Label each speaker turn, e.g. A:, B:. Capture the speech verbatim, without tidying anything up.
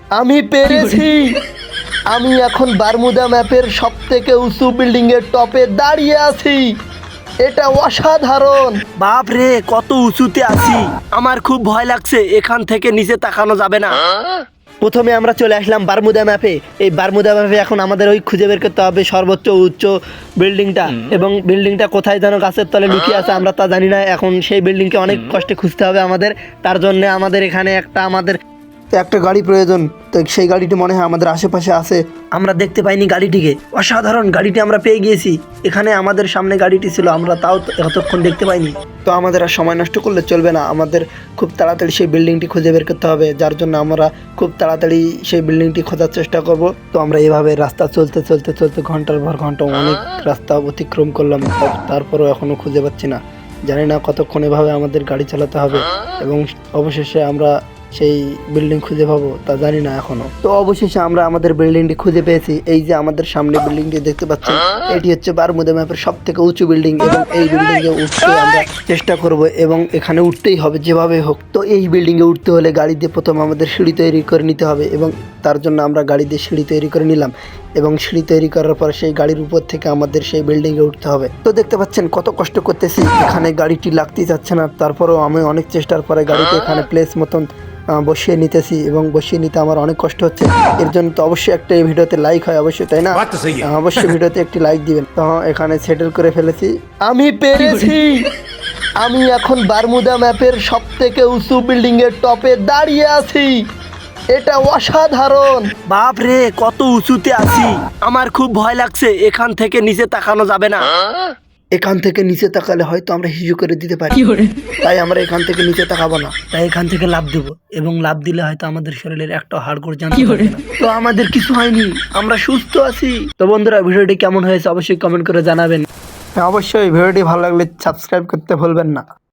A: আমি পেরেছি। আমি এখন বারমুদা ম্যাপের সব থেকে উঁচু বিল্ডিং এর টপে দাঁড়িয়ে আছি। এটা অসাধারণ।
B: বাপ রে, কত উঁচুতে আছি, আমার খুব ভয় লাগছে, এখান থেকে নিচে তাকানো যাবে না।
A: প্রথমে আমরা চলে আসলাম বারমুদা ম্যাপে। এই বারমুদা ম্যাপে এখন আমাদের ওই খুঁজে বের করতে হবে সর্বোচ্চ উচ্চ বিল্ডিংটা, এবং বিল্ডিংটা কোথায় যেন গাছের তলে লুকিয়ে আছে আমরা তা জানি না। এখন সেই বিল্ডিংকে অনেক কষ্টে খুঁজতে হবে আমাদের। তার জন্য আমাদের এখানে একটা আমাদের একটা গাড়ি প্রয়োজন। তো সেই গাড়িটি মনে হয় আমাদের আশেপাশে আছে।
B: আমরা দেখতে পাইনি গাড়িটিকে। অসাধারণ, গাড়িটি আমরা পেয়ে গিয়েছি। এখানে আমাদের সামনে গাড়িটি ছিল, আমরা তাও এতক্ষণ দেখতে পাইনি।
A: তো আমাদের আর সময় নষ্ট করলে চলবে না, আমাদের খুব তাড়াতাড়ি সেই বিল্ডিংটি খুঁজে বের করতে হবে, যার জন্য আমরা খুব তাড়াতাড়ি সেই বিল্ডিংটি খোঁজার চেষ্টা করব। তো আমরা এভাবে রাস্তা চলতে চলতে চলতে ঘন্টার পর ঘন্টা অনেক রাস্তা অতিক্রম করলাম, তারপরও এখনও খুঁজে পাচ্ছি না। জানি না কতক্ষণ এভাবে আমাদের গাড়ি চালাতে হবে এবং অবশেষে আমরা সেই বিল্ডিং খুঁজে পাবো তা জানি না এখনো। তো অবশেষে আমরা আমাদের বিল্ডিংটি খুঁজে পেয়েছি। এই যে আমাদের সামনে বিল্ডিংটি দেখতে পাচ্ছেন, এটি হচ্ছে বারমুদা ম্যাপের সব থেকে উঁচু বিল্ডিং এবং এই বিল্ডিং এ উঠতে আমরা চেষ্টা করব এবং এখানে উঠতেই হবে যেভাবে হোক। তো এই বিল্ডিং এ উঠতে হলে গাড়ি দিয়ে প্রথম আমাদের সিঁড়ি তৈরি করে নিতে হবে এবং তার জন্য আমরা গাড়ি দিয়ে সিঁড়ি তৈরি করে নিলাম এবং সিঁড়ি তৈরি করার পর সেই গাড়ির উপর থেকে আমাদের সেই বিল্ডিং এ উঠতে হবে। তো দেখতে পাচ্ছেন কত কষ্ট করতেছি, এখানে গাড়িটি লাগতেই যাচ্ছে না। তারপরেও আমি অনেক চেষ্টার পরে গাড়িতে এখানে প্লেস মতন বসিয়ে নিতেছি এবং বসিয়ে নিতে আমার অনেক কষ্ট হচ্ছে। এর জন্য তো অবশ্যই একটা এই ভিডিওতে লাইক হয় অবশ্যই, তাই না? অবশ্যই ভিডিওতে একটি লাইক দিবেন। তো এখানে সেটেল করে ফেলেছি। আমি পেরেছি। আমি এখন বারমুদা ম্যাপের সব থেকে উঁচু বিল্ডিং এর টপে দাঁড়িয়ে আছি। এটা অসাধারণ।
B: বাপ রে, কত উঁচুতে আছি, আমার খুব ভয় লাগছে, এখান থেকে নিচে তাকানো যাবে না।
A: এখান থেকে নিচে তাকালে হয়তো আমরা হিজু করে দিতে পারি, তাই আমরা এখান থেকে নিচে তাকাবো না।
B: তাই এখান থেকে লাফ দেবো এবং লাফ দিলে হয়তো আমাদের শরীরের একটা হাড়গোড় জানতে পারবে না।
A: তো আমাদের কিছু হয়নি, আমরা সুস্থ আছি। তো বন্ধুরা, ভিডিওটি কেমন হয়েছে অবশ্যই কমেন্ট করে জানাবেন। হ্যাঁ, অবশ্যই ভিডিওটি ভালো লাগলে সাবস্ক্রাইব করতে ভুলবেন না।